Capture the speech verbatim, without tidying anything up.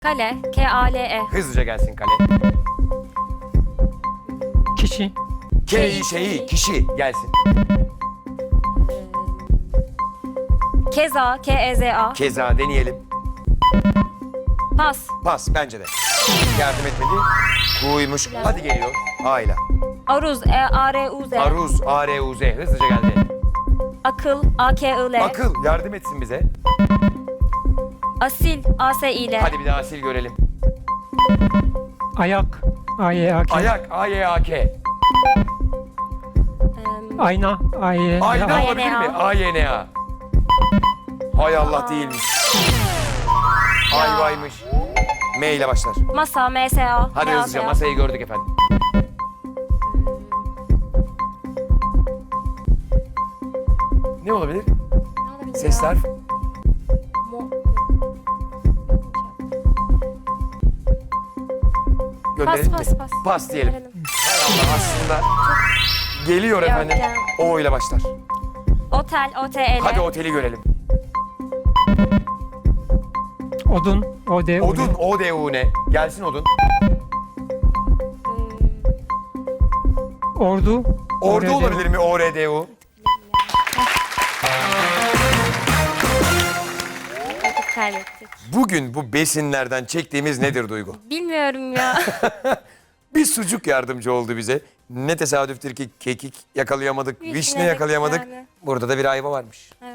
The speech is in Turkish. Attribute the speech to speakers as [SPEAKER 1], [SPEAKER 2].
[SPEAKER 1] Kale. K A L E.
[SPEAKER 2] Hızlıca gelsin kale.
[SPEAKER 3] Kişi.
[SPEAKER 2] K şeyi kişi gelsin.
[SPEAKER 1] Keza. K E Z A.
[SPEAKER 2] Keza deneyelim.
[SPEAKER 1] Pas.
[SPEAKER 2] Pas bence de. Yardım etmedi. Kuymuş. Hadi geliyor. Ayla.
[SPEAKER 1] Aruz. E A R U Z.
[SPEAKER 2] Aruz. A R U Z. Hızlıca geldi.
[SPEAKER 1] Akıl. A K I L.
[SPEAKER 2] Akıl. Yardım etsin bize.
[SPEAKER 1] Asil. A S I L.
[SPEAKER 2] Hadi bir daha sil görelim.
[SPEAKER 3] Ayak. A Y A K.
[SPEAKER 2] Ayak. A Y A K.
[SPEAKER 1] Em,
[SPEAKER 3] Ayna. A Y A K.
[SPEAKER 2] Ayna
[SPEAKER 1] A Y N A.
[SPEAKER 2] olabilir mi? A Y N A. Hay Allah değilmiş. Ayvaymış. M ile başlar.
[SPEAKER 1] Masa. M S A.
[SPEAKER 2] Hadi
[SPEAKER 1] M A S A.
[SPEAKER 2] hızlıca masayı gördük efendim. Ne olabilir?
[SPEAKER 1] Ne olabilir
[SPEAKER 2] Sesler.
[SPEAKER 1] ya? Mo-
[SPEAKER 2] Gönderelim
[SPEAKER 1] Pas,
[SPEAKER 2] mi?
[SPEAKER 1] pas, pas.
[SPEAKER 2] Pas diyelim.
[SPEAKER 1] Verelim.
[SPEAKER 2] Hay Allah aslında geliyor
[SPEAKER 1] Yok
[SPEAKER 2] efendim.
[SPEAKER 1] ya.
[SPEAKER 2] O ile başlar.
[SPEAKER 1] Otel. O T E L.
[SPEAKER 2] Hadi oteli görelim.
[SPEAKER 3] Odun. O D U N.
[SPEAKER 2] Odun. O D U N. Gelsin odun.
[SPEAKER 3] Ordu.
[SPEAKER 2] Ordu
[SPEAKER 3] O R D U.
[SPEAKER 2] olabilir mi? O R D U.
[SPEAKER 1] Vakit kaybettik.
[SPEAKER 2] Bugün bu besinlerden çektiğimiz nedir Duygu?
[SPEAKER 1] Bilmiyorum ya.
[SPEAKER 2] Bir sucuk yardımcı oldu bize. Ne tesadüftür ki kekik yakalayamadık, vişne,
[SPEAKER 1] Vişne,
[SPEAKER 2] yakalayamadık.
[SPEAKER 1] yani.
[SPEAKER 2] Burada da bir ayva varmış.
[SPEAKER 1] Evet.